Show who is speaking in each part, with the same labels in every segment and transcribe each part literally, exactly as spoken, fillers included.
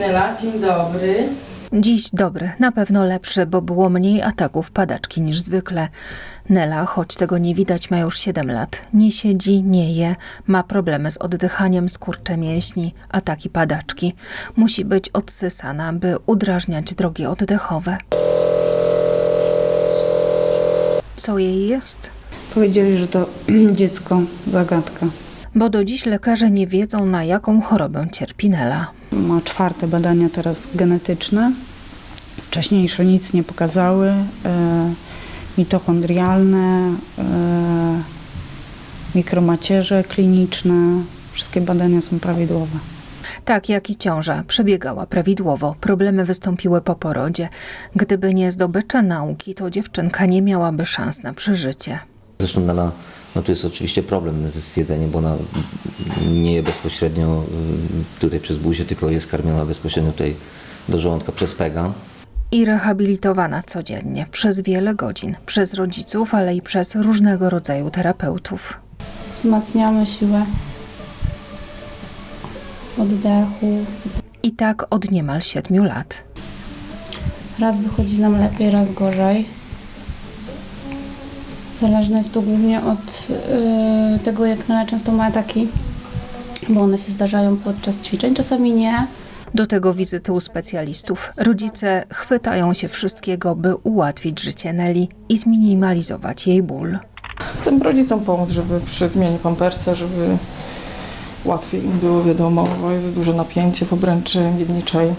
Speaker 1: Nela, dzień dobry.
Speaker 2: Dziś dobry, na pewno lepszy, bo było mniej ataków padaczki niż zwykle. Nela, choć tego nie widać, ma już siedem lat. Nie siedzi, nie je, ma problemy z oddychaniem, skurcze mięśni, ataki padaczki. Musi być odsysana, by udrażniać drogi oddechowe. Co jej jest?
Speaker 3: Powiedzieli, że to dziecko, zagadka.
Speaker 2: Bo do dziś lekarze nie wiedzą, na jaką chorobę cierpi Nela.
Speaker 3: Ma czwarte badania teraz genetyczne. Wcześniejsze nic nie pokazały. E, mitochondrialne, e, mikromacierze kliniczne. Wszystkie badania są prawidłowe.
Speaker 2: Tak jak i ciąża przebiegała prawidłowo. Problemy wystąpiły po porodzie. Gdyby nie zdobycze nauki, to dziewczynka nie miałaby szans na przeżycie.
Speaker 4: Zresztą Nela, no tu jest oczywiście problem z jedzeniem, bo ona nie je bezpośrednio tutaj przez buzię, tylko jest karmiona bezpośrednio tutaj do żołądka przez pega.
Speaker 2: I rehabilitowana codziennie, przez wiele godzin, przez rodziców, ale i przez różnego rodzaju terapeutów.
Speaker 5: Wzmacniamy siłę oddechu.
Speaker 2: I tak od niemal siedmiu lat.
Speaker 5: Raz wychodzi nam lepiej, raz gorzej. Zależne jest to głównie od yy, tego, jak Nela często ma ataki, bo one się zdarzają podczas ćwiczeń, czasami nie.
Speaker 2: Do tego wizyty u specjalistów. Rodzice chwytają się wszystkiego, by ułatwić życie Neli i zminimalizować jej ból.
Speaker 1: Chcę rodzicom pomóc, żeby przy zmianie pampersa, żeby łatwiej im było, wiadomo, bo jest duże napięcie w obręczy miedniczej.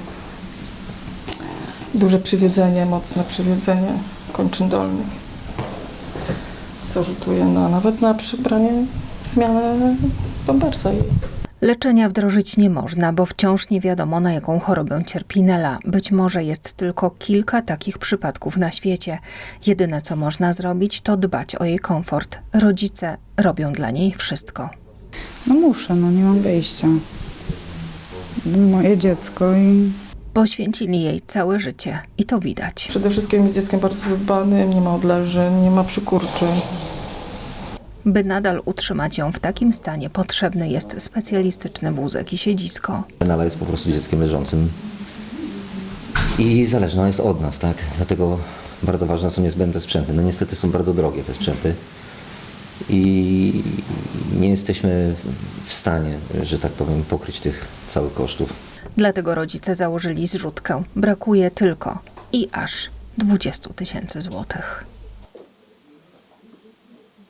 Speaker 1: Duże przywiedzenie, mocne przywiedzenie kończyn dolnych. Co rzutuje na, nawet na przybranie, zmianę pampersa jej.
Speaker 2: Leczenia wdrożyć nie można, bo wciąż nie wiadomo, na jaką chorobę cierpi Nela. Być może jest tylko kilka takich przypadków na świecie. Jedyne, co można zrobić, to dbać o jej komfort. Rodzice robią dla niej wszystko.
Speaker 3: No muszę, no nie mam wyjścia. Moje dziecko i
Speaker 2: Poświęcili jej całe życie i to widać.
Speaker 1: Przede wszystkim jest dzieckiem bardzo zadbanym, nie ma odleżeń, nie ma przykurczy.
Speaker 2: By nadal utrzymać ją w takim stanie, potrzebny jest specjalistyczny wózek i siedzisko.
Speaker 4: Nela jest po prostu dzieckiem leżącym i zależna jest od nas, tak? Dlatego bardzo ważne są niezbędne sprzęty. No niestety są bardzo drogie te sprzęty i nie jesteśmy w stanie, że tak powiem, pokryć tych całych kosztów.
Speaker 2: Dlatego rodzice założyli zrzutkę. Brakuje tylko i aż dwudziestu tysięcy złotych.